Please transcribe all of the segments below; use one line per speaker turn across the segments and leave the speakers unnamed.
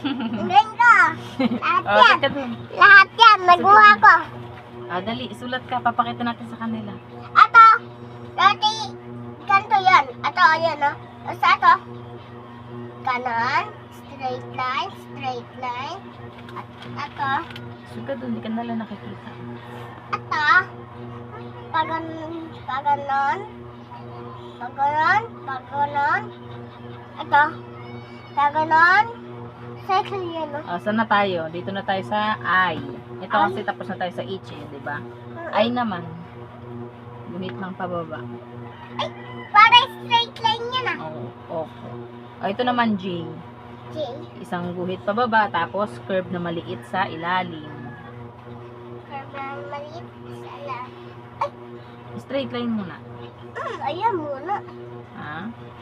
Galing ka. Lahat
Oh,
yan.
teka dun.
Lahat yan. Nagawa ko.
Dali, sulat ka. Papakita natin sa kanila.
Ato. Dati, ganito yan. Ato, ayan o. Tapos ato. Kanan. Straight line. Straight line. At ato.
Suga dun, di ka nala nakikita.
Ato. Paganon. Paganon. Paganon. Paganon. Ato. Paganon. Cycle yan o.
Saan na tayo? Dito na tayo sa I. Ito kasi tapos na tayo sa H eh, di ba? I naman. Guhit ng pababa.
Ay, para straight line yan ah.
Oo, opo. Ito naman J.
J.
Isang guhit pababa, tapos curve na maliit sa ilalim.
Parang maliit. Sala.
Straight line muna.
Ayan muna.
Ha?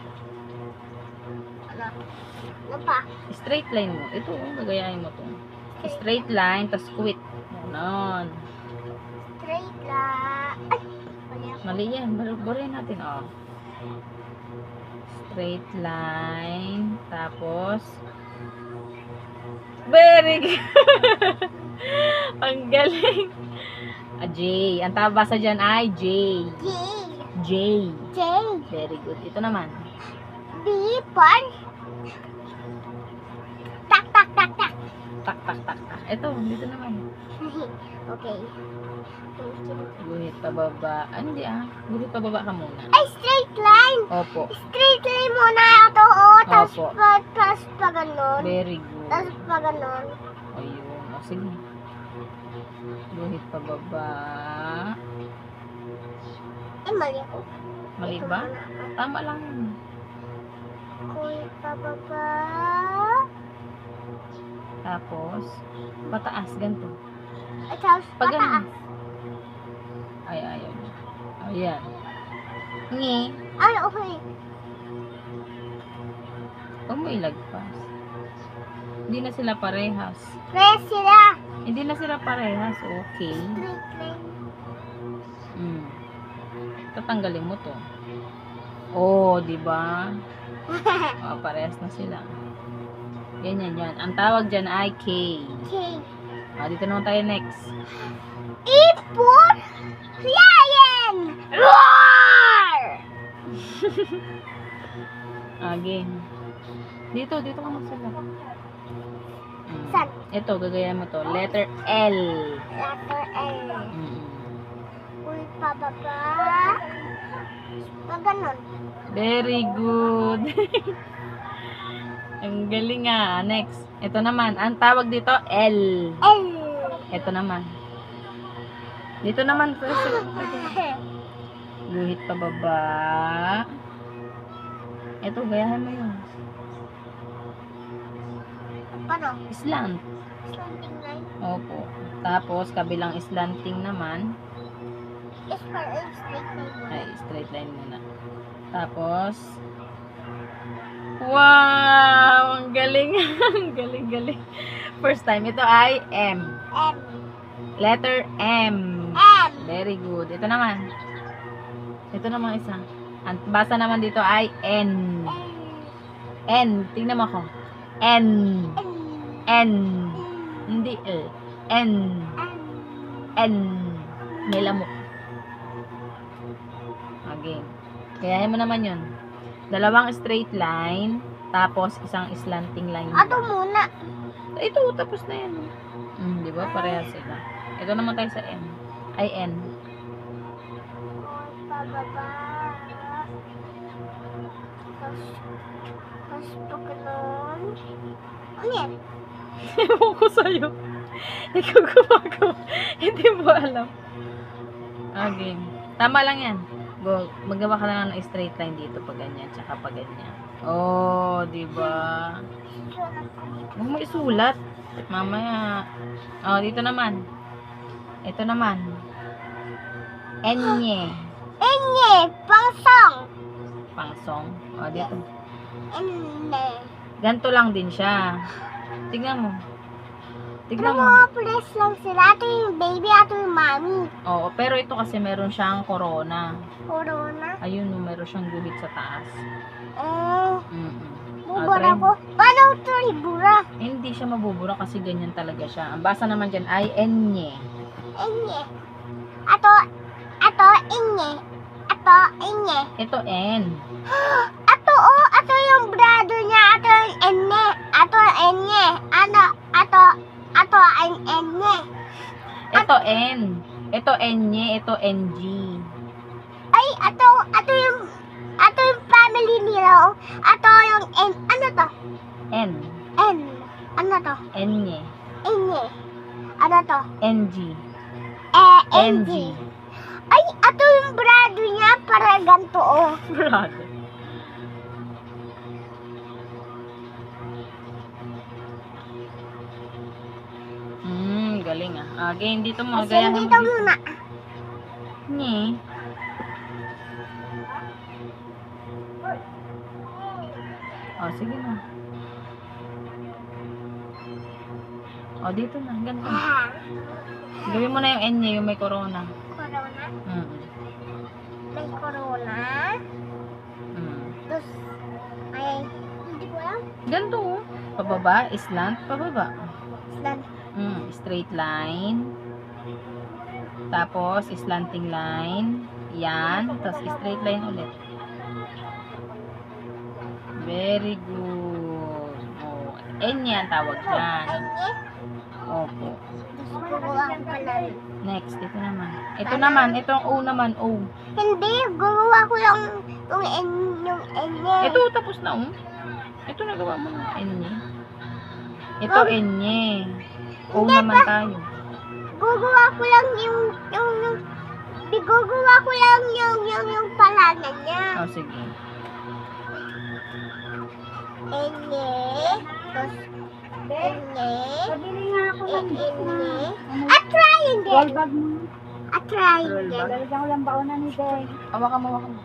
Ano? Ano pa?
Straight line mo. Ito, gagayahin mo to. Straight line, tapos quit. Ganon.
Straight line. Ay! Mali ako.
Mali yan. Baruhin natin, oh. Straight line, tapos very good. Ang galing. J. Ang tabasa dyan ay J.
J.
J.
J.
Very good. Ito naman.
B. Par. Tak, tak, tak, tak.
Tak, tak, tak, tak. Ito, dito naman.
Okay.
Guhit pababa. Hindi Guhit pababa ka muna.
Ay, straight line.
Opo.
Straight line muna ito, oh. Tapos
Opo.
pa ganon.
Very good.
Tapos pa ganon.
Ayun. O, sige. Guhit pababa.
Ay, mali ako.
Mali
Ito
ba?
muna ako.
Tama lang yun.
Kuya pababa.
Tapos, pataas. Ganito.
At tapos
Pag
pataas.
Ay, ayaw niya. Ayan. Ngi.
Ay, okay.
Huwag mo ilagpas. Hindi na sila parehas.
Kaya sila.
Hindi na sila parehas. Okay.
Straight line.
Tatanggalin mo to. Oh, di ba? Parehas na sila. Ganyan yan. Ang tawag dyan ay K.
Okay.
Dito naman tayo next.
Ipon lion! Roar!
Again. Dito ka magsulat.
Saan?
Ito, gagayan mo to. Letter L.
Letter L. Uy, pababa. Pag ganon.
Very good. Ang galing Next. Ito naman. Ang tawag dito, L.
L.
Ito naman. Dito naman. Guhit pababa. Ito, gayahin mo yun.
Paano?
Slant.
Slanting line.
Opo. Tapos, kabilang slanting naman.
Is for a straight line.
Ay, straight line muna. Tapos, wow! Ang galing. Ang galing. First time. Ito ay M.
M.
Letter M.
M.
Very good. Ito naman. Ito naman isa. Ang basa naman dito ay N. N. Tingnan mo ako. N. N. Hindi L. N. N. May lamok. Again. Kayahin mo naman yun. Dalawang straight line, tapos isang slanting line.
Ato muna.
Ito, tapos na yan. Di ba? Parehas sila. Ito naman tayo sa N. Ay, N.
Pababa. Tapos pag ganon. Ano yan?
Ewan ko sa'yo. Ikaw gumagawa. Hindi mo alam. Again. Tama lang yan. Go. Magawa ka lang ng straight line dito pag ganyan, tsaka pag ganyan. Oh, di ba? Huwag mo isulat. Mamaya. Oh, dito naman. Ito naman. Enye.
Enye. Pangsong.
Pangsong. Oh, dito.
Enne.
Ganto lang din siya. Tignan mo.
Pero
Tignan mo.
mga press lang sila. Ito yung baby, ito yung mommy.
Oo, pero ito kasi meron siyang corona.
Corona.
Ayun, no, meron siyang guhit sa taas.
Oh.
Mm-mm.
Bubura ko. Paano ito ibura?
Hindi. hindi siya mabubura kasi ganyan talaga siya. Ang basa naman dyan ay enye.
Enye. Ato, inye. Ato, inye.
Ito N.
Ato yung brother niya. Ato yung enne. Ato enye. Ato ang enye.
Ito N. Ito enye. Ito NG.
Ay, ato yung family nila. Ato yung ano to?
N.
N. Ano to?
Enye.
Enye. Ano to?
NG.
NG. Ay, ato yung brother niya para ganito, oh.
Brother. Galing ah. Again, dito mo.
Kasi dito muna.
Nye. Oh, sige na. Oh, dito na. Ganito. Gawin mo na yung N niya, yung may corona.
Corona?
Mm.
May corona? Tapos, ay, hindi ko alam.
Ganito oh. Pababa, slant, pababa.
Slant.
Straight line. Tapos, slanting line. Yan. Tapos, straight line ulit. Very good. Oh, N yan tawag dyan.
Enye?
Opo.
Gusto ko lang pala.
Next, ito naman. Ito naman, itong O naman, O.
Hindi, gumawa ko lang yung enye.
Ito, tapos na, oh. Ito, nagawa mo na, N-nye. Ito, N-nye. O naman tayo.
Gugawa ko lang gugawa ko lang yung pangalan niya.
Oh, sige.
Enye. Tapos, enye.
Pabili nga ako ng
Enye. A triangle.
roll bag mo.
A triangle.
Lalagyan ko lang baonan ni Deng.
Hawakan mo, hawakan mo.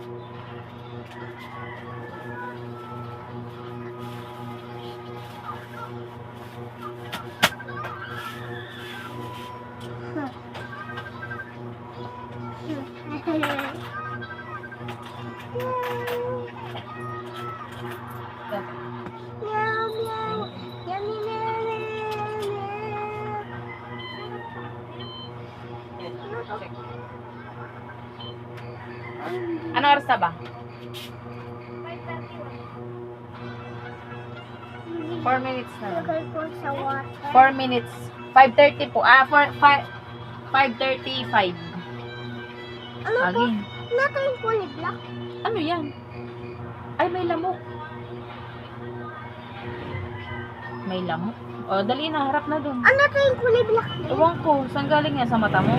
Meow, meow. Yummy, meow, meow, meow.
Ano oras na ba? 4 minutes na lang.
Lagay ko sa water.
4 minutes. 5:30 po. 5:35.
Ano to?
Again.
Ano to yung kulay black?
Ano yan? Ay, may lamok. May lamok. O, dali na. Harap na dun.
Ano to yung kulay black?
Ewan ko. Saan galing yan? Sa mata mo?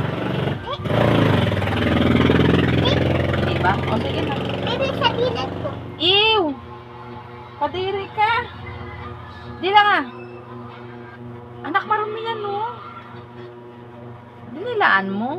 Diba? O, sige na.
Maybe sa gilid ko.
Ew! Kadiri ka. Di lang ah. Anak, marami yan, no? Dinilaan mo?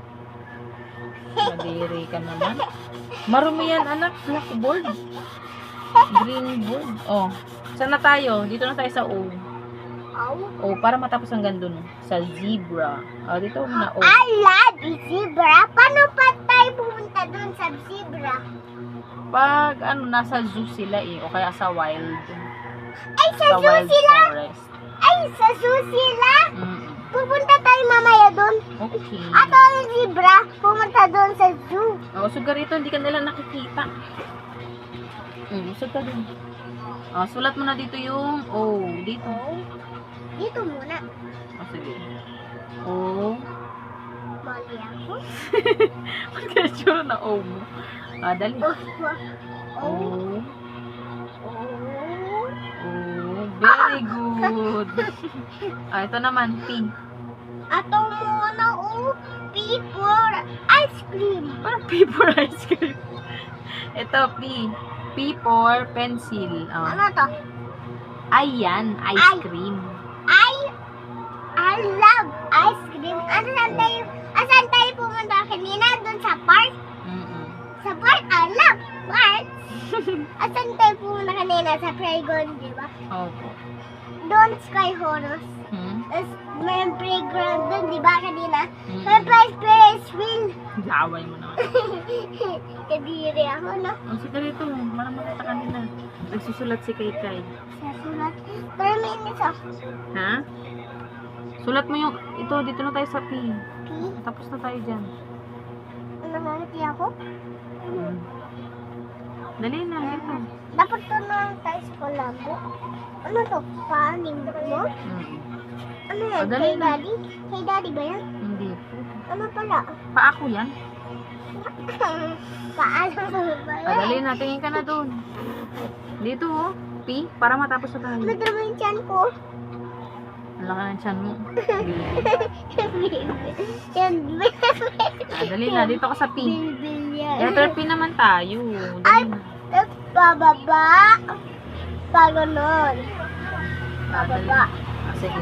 Kadiri ka naman. Marumi yan, anak. Blackboard. Green board. Oh. Saan na tayo? Dito na tayo sa O.
Oh.
O, para matapos ang gando no. Sa zebra. O, dito muna O.
I love zebra. Paano pa tayo pumunta dun sa zebra?
Pag, nasa zoo sila eh. O kaya sa wild.
Ay, sa zoo
wild
sila?
forest.
Ay, sa zoo sila?
Mm.
Pupunta tayo mamaya dun.
Okay.
Ato yung zebra. Pumunta dun sa zoo.
O, sugar rito, hindi ka nila nakikita. Usog ka dun. O, sulat mo na dito yung O. Dito.
Dito muna.
O, sige. O.
Mali ako.
Ba't kaya sure na O mo? Ah, dali.
Oh.
O.
Oh.
O.
Oh.
Very good. Ah, ito naman, P.
Ato muna, oh. P for ice cream.
Parang P for ice cream. Ito, P. P for pencil. Oh.
Ano to?
Ayan, ice cream.
I love ice cream. Asan tayo pumunta kanina? Doon sa park?
Mm-mm.
Sa park? I love park. Asan tayo pumunta kanina? Sa playground, di ba?
Opo.
Doon Sky Horus.
Hmm?
May playground dun, di ba kanina?
Mm.
May Ferris wheel.
Laway mo naman.
Kadiri ako, no?
O, sige dito. Para makita ka nila. Nagsusulat si Kay.
Sa sulat. Pero may isa.
Ha? Sulat mo yung, ito, dito na tayo sa P.
P.
Tapos na tayo dyan.
Nangangiti ako.
Hmm. Dali na, dito.
Dapat to na tayo sa kolabo. Ano to? Paanim mo?
Hmm.
Ano yan?
O, dali
Kay
na.
daddy? Kay daddy ba yan?
Hindi po.
Ano pala?
Pa ako yan.
Paalam mo ba yan?
Dali na, tingin ka na doon. Dito, oh. P, para matapos na tayo.
Madama yung tiyan ko.
Ang laki ng tiyan mo.
Yan,
Dali na, dito ka sa P.
bilbil yan.
Letter P naman tayo.
Ay,
Dali na.
tapos bababa. Pa ganon. Bababa.
Ah, sige.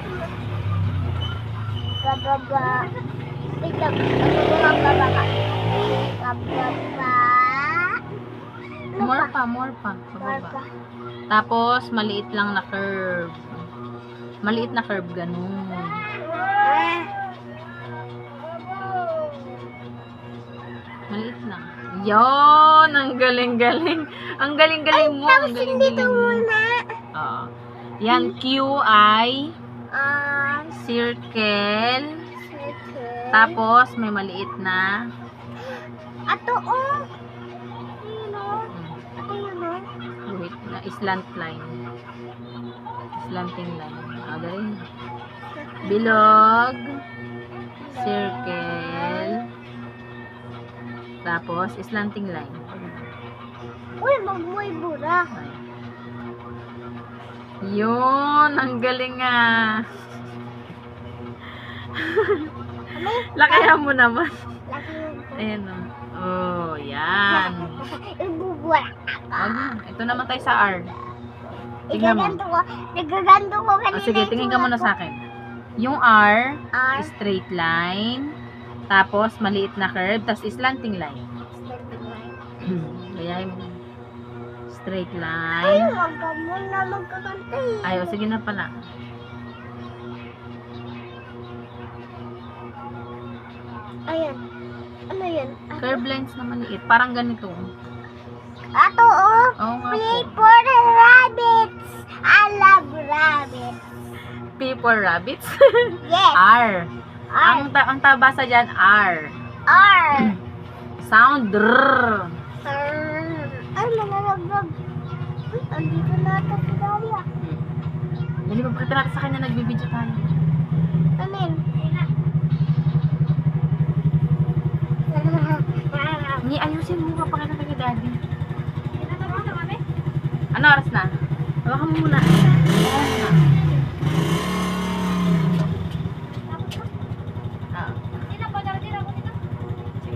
Bababa. Wait lang. Bababa. Bababa. Ano
More
pa?
pa. Pababa.
Bababa.
Tapos, maliit lang na curve. Maliit na curve, ganun. Maliit lang. Yon, ang galing-galing. Ang galing-galing mo. Ang
Tapos
galing-galing
dito
mo.
muna.
Oo. Yan, QI,
Ah,
circle,
circle.
tapos may maliit na.
Ato, oh. Yun, oh. Ato yun, oh.
Wait, na slant line. Slanting line. Ah, galing. Bilog, circle, tapos slanting line.
Uy, magmoy bura.
Ay. Yun, ang galing nga. Lakayan mo naman.
Laki yun.
Ayan o. Oh, yan.
Ibubura.
Wag na. Ito naman tayo sa R. Tingnan mo.
Igaganto ko. Nagaganto ko kanina.
Oh, sige, tingin ka muna sa akin. Yung R,
R.
straight line. Tapos, maliit na curve. Tapos, slanting line. Gayahin mo. Straight
Ay,
line.
wag ka muna magkakanta eh.
Ay, o, sige na pala.
Ayan. Ano yan?
Curve lines na maliit. Parang ganito.
Ato, oh.
Oo nga po.
Paper rabbits. I love rabbits.
P for rabbits.
Yes.
R.
R.
Ang tabasa dyan, R.
R.
Sound, R.
Ay, malalaglag. Uy, andito na ata si Dalia.
Dali, magpakita natin sa kanya, nagbibideo tayo.
Ano yun?
Ni, ayusin mo, papakita ka kay daddy. Ano oras na? Hawakan mo muna. Hawakan mo muna. Ah. Sige.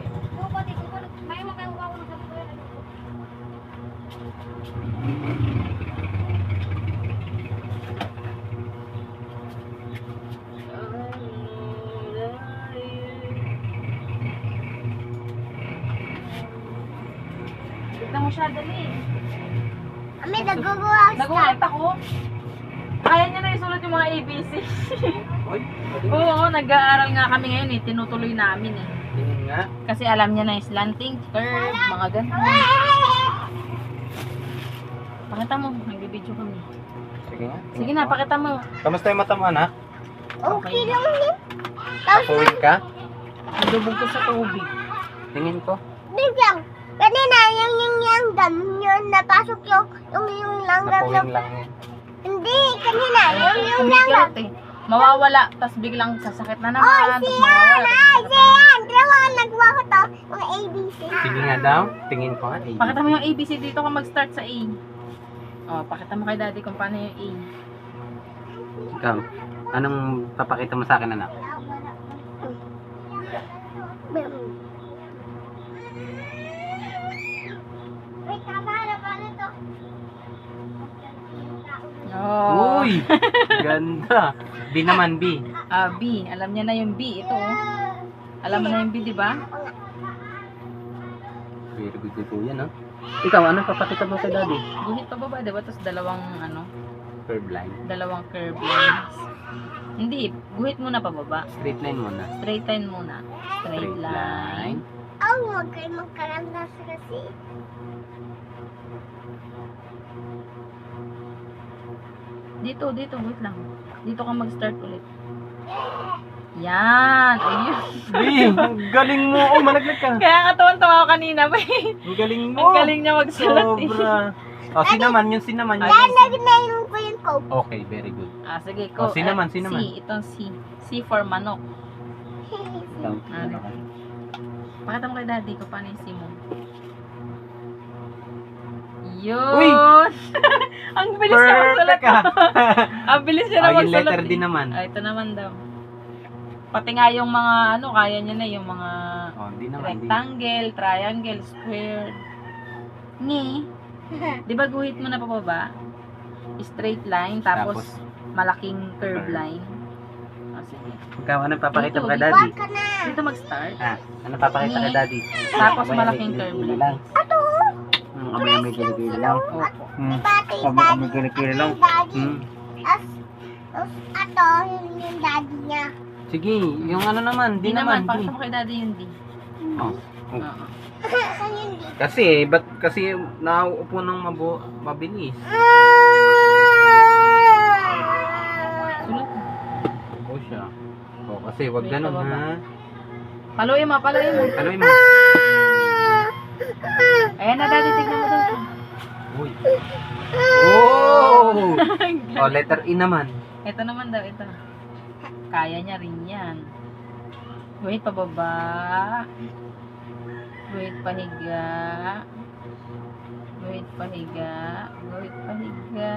Tignan mo siya, dali.
Ami, nagugwas ka.
Nagulat ako. Kaya niya na isulat yung mga ABC. Oo, nag-aaral nga kami ngayon eh. Tinutuloy namin eh.
Tingin nga.
Kasi alam niya na yung slanting, curve, mga ganun. Pakita mo, nagbibideo kami.
Sige nga.
Sige na, pakita mo.
Kamusta yung mata mo, anak?
Okay lang yun. Tapos,
Papuwing ka?
Nadubog ko sa tubig.
Tingin ko.
biglang, kanina, yung ganun yun, napasok yung langgam
Papuwing lang yun.
Hindi, kanina, yung langgam.
Kumikirot eh. Mawawala, tas biglang sasakit na naman.
Oy,
tas
siyan!
mawawala, tas
Ay,
sasakit na naman.
siyan! Dalawa ang nagawa ko to. Mga ABC.
Sige nga daw. Tingin ko nga. Eh.
Pakita mo yung ABC dito ka mag-start sa A. Oh, pakita mo kay daddy kung paano yung A.
Ikaw, anong papakita mo sa akin, anak?
Wait, tama na paano to?
Oh.
Uy! Ganda. B naman, B.
Ah, B. Alam niya na yung B. Ito oh. Alam mo na yung B, di ba?
Very good po yan, no? Ikaw, anong papakita mo kay daddy?
Guhit pa baba, di ba? Tapos dalawang ano.
curve line.
Dalawang curve lines. Hindi, guhit muna pababa.
Straight line muna.
Straight line muna. Straight line.
Oh, huwag kayo magkaramdas kasi.
Dito, wait lang. Dito ka mag-start ulit. Yan, ayun.
Ang galing mo. Oh, malaglag ka.
Kaya nga tuwan-tawa ako kanina.
Ang galing mo.
Ang galing niya magsulat eh.
Sobra. Oh, sinaman, yung sinaman. Yung...
Lalagnayin ko yung coke.
Okay, very good.
Ah, sige
Oh,
ko.
sinaman.
C, itong C. C for manok.
Ikaw,
Ah,
ano ka?
Pakita mo kay daddy ko paano yung C mo. Yun!
Uy!
Ang bilis niya magsulat.
Perfect ka.
Ang bilis niya na
Oh, yung
magsulat.
letter D
eh.
naman.
Ah, ito naman daw. Pati nga yung mga ano, kaya niya na yung mga
Oh, di naman. Di.
rectangle, triangle, square. Ngi. Di ba guhit mo na pababa? Straight line, tapos malaking curve line. Ah, sige.
Ikaw, ano papakita mo kay
Dito,
daddy?
Huwag ka na.
Dito mag-start.
Ah, ano papakita kay daddy?
Tapos
Abay,
malaking
may
curve
kilikili
line.
Ato,
May kilikili lang.
Opo.
may bati yung
May
daddy.
kilikili lang.
Yung daddy.
Hmm.
Ato, yung daddy niya.
Sige, yung ano naman,
Di
di
naman,
naman.
pakita mo kay daddy yung D.
Oh.
Oo.
Saan yung di?
Ba't kasi nauupo ng mabilis?
Sulat mo.
Oo siya. Oo, kasi wag
Wait,
ganun
pababa.
ha.
Paluin mo, paluin mo.
Alam mo.
Ayan na daddy, tignan mo daw.
Uy. Oh! Oh, letter E naman.
Ito naman daw, ito. Kaya niya rin yan. Wait, pababa. Wait, pahiga. Wait, pahiga. Wait, pahiga.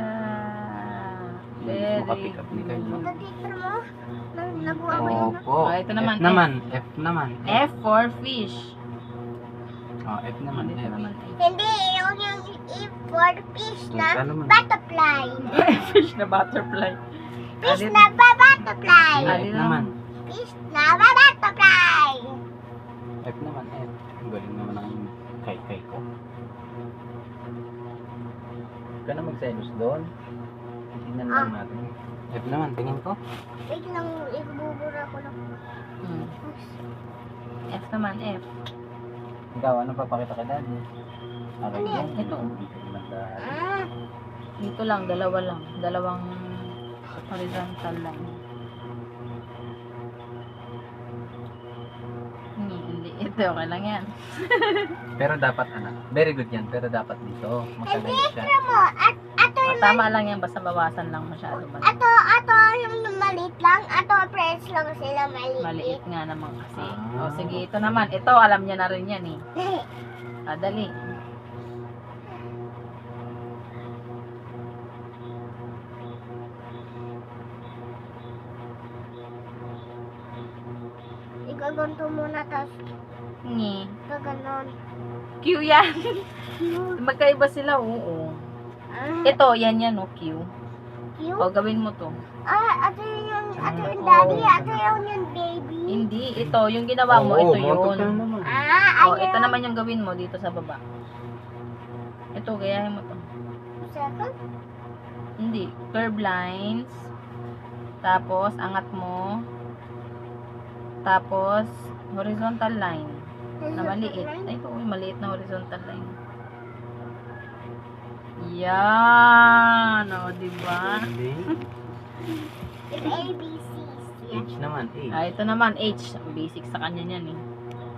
Very
Makapick up ni Kyle.
good.
Pagkikita mo, nagawa mo yun.
Opo.
Oh, ito naman,
F naman. F naman.
F for fish.
Oh, F naman.
Dito
F.
naman.
Hindi, yung if for fish na
Ano naman?
butterfly.
Fish na butterfly.
Fish
Alin?
na butterfly.
F
Alin
naman.
Fish na butterfly.
F naman. F. Ang galing naman ang kay ko. Huwag ka na magselos doon. Tingnan lang natin. F naman. Tingin ko.
Wait lang, ibubura ko lang.
Hmm. F naman, F.
Ikaw, ano papakita ka daddy? Okay,
Ano yan?
Ito.
Daddy.
Ah,
Dito lang, dalawa lang. Dalawang horizontal line. Hindi. Ito, okay lang yan.
Pero dapat very good yan. Pero dapat dito. Matagal siya.
tira mo, ato
O, tama lang yan, basta bawasan lang masyado.
ato yung maliit lang, ato press lang sila maliit.
Maliit nga naman kasi.
Ah.
O, sige, ito naman. Ito, alam niya na rin yan eh. Dali.
Igaganto muna, tapos
Ngi.
gaganon.
Q yan. Magkaiba sila, oo.
Ah,
Ito, yan, o, Q.
cute.
O, gawin mo to.
Ato yung daddy, ato yung baby.
Hindi, ito, yung ginawa mo, ito
montok
yun.
lang naman.
Ah,
O, ito naman yung gawin mo dito sa baba. Ito, gayahin mo to.
Second?
Hindi, curve lines. Tapos, angat mo. Tapos, horizontal line. Na maliit. Ay, ito, maliit na horizontal line. Yan! O, diba?
Hindi.
Yung ABCs. Yan.
H naman. H.
Ah, ito naman, H. Basic sa kanya yan eh.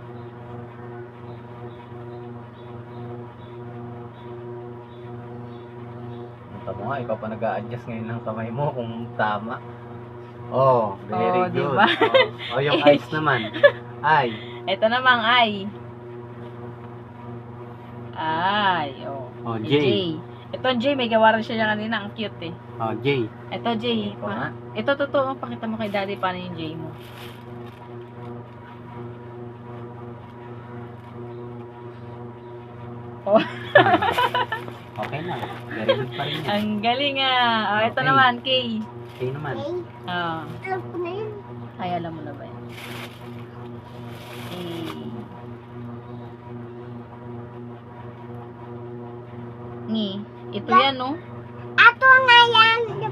Punta mo nga, ikaw pa nag-a-adjust ngayon ng kamay mo kung tama. Oh, very
Oh,
good.
diba?
Oh, yung eyes naman. Ay.
Ito namang I. I. O.
Oh,
J.
J.
Ito J, may gawa rin siya kanina. Ang cute eh.
Oh, J.
Ito J.
Ito nga.
Ito totoo. Pakita mo kay daddy paano yung J mo. Oh,
Okay na. Very good pa rin yan.
ang galing ah. Oh, ito
Okay.
naman, K.
K naman.
Okay,
Oh.
alam ko na yun.
Ay, alam mo na ba yan? K. Ngi. Ito yan, no?
Ato nga yan, di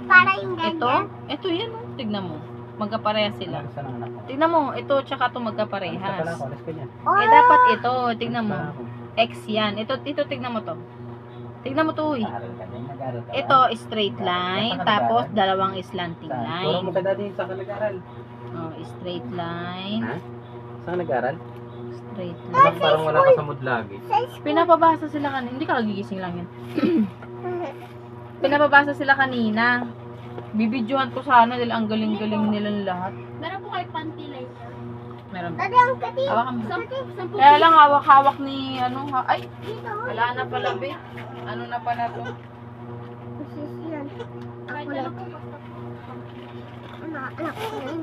ito yan. Oh. Tignan mo. Magkapareha sila.
Saan ang anak ko?
Tignan mo, ito tsaka ito
Alis ka pala
magkaparehas.
ako, alis ka dyan.
Oh,
Eh, dapat ito. Tignan mo.
Alis ka ako.
X yan. Ito, tignan mo to. Tignan mo to, uy.
Nag-aaral ka din, nag-aaral ka ba?
Ito, straight line. Tapos, dalawang slanting
Saan? Turo mo
line.
kay daddy, saan ka nag-aaral?
Oh, straight line.
Ha? Saan ka nag-aaral?
Straight
Parang
line.
parang wala ka sa mood lagi.
Pinapabasa sila kanina. Hindi ka nagigising lang yan. Pinapabasa sila kanina. Bibidyohan ko sana dahil ang galing-galing nilang lahat.
Meron po kayo panty later.
Meron ba?
Dati ang kati.
Hawakan mo.
Sampu
Kaya lang hawak-hawak ni ano ha. Ay,
Dito.
wala na pala be. Ano na pala to?
Sis yan.
kahit
Ako
ano
lang.
po basta po.
Anak ko yun.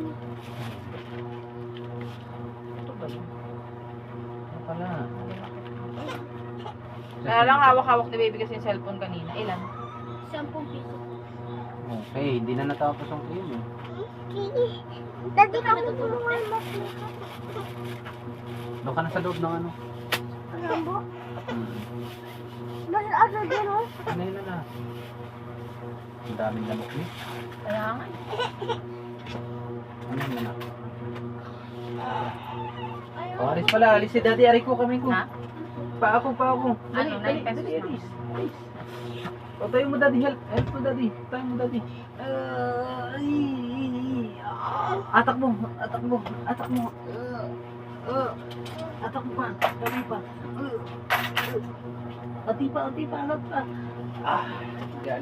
Ito ba yun?
Ano pala?
Kaya lang hawak-hawak ni baby kasi yung cellphone kanina. Ilan?
10 piso.
Okay, hindi na natapos ang cream eh.
Dati ka tutulungan mo.
Doon ka na sa loob ng ano.
Rambo.
Hmm.
Mas ano din oh.
Ano yun na? Ang daming lamok eh.
Kaya nga.
Ano yun na? Oh, alis pala. Alis si daddy. Ari ko kami ko.
Ha?
Pa ako.
Ano, 9 pesos na.
Alis. O, tayo mo daddy. Help mo daddy. Tayo mo daddy. Atak mo. Atak mo pa. Dali pa. Ati pa. Alat pa. Ah,